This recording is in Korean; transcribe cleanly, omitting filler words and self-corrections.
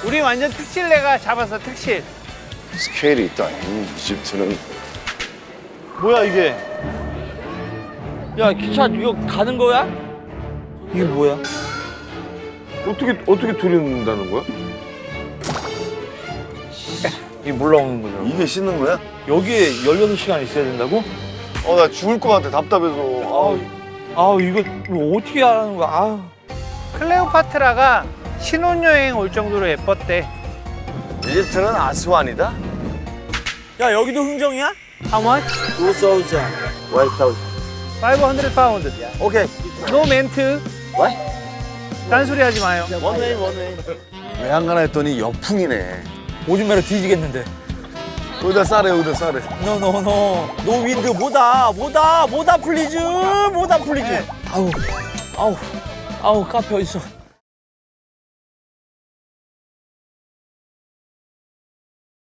우리 완전 특실 내가 잡았어, 특실. 스케일이 있다. 이집트는. 뭐야 이게? 야 기차 이거 가는 거야? 이게 뭐야? 어떻게 들인다는 거야? 이게 올라오는 거잖아. 이게 씻는 거야? 여기에 16시간 있어야 된다고? 나 죽을 것 같아. 답답해서. 아우 이거 어떻게 하는 거야? 아우. 클레오파트라가 신혼여행 올 정도로 예뻤대. 이집트는 아스완이다? 야 여기도 흥정이야? How much? 2,000. 500 파운드. 오케이. 노 멘트. What? 딴소리 하지 마요. 원웨이. 왜 안 가나 했더니 역풍이네. 오줌매로 뒤지겠는데. 여기다 싸래. 노 윈드 뭐다 플리즈. 아우 카페 어딨어?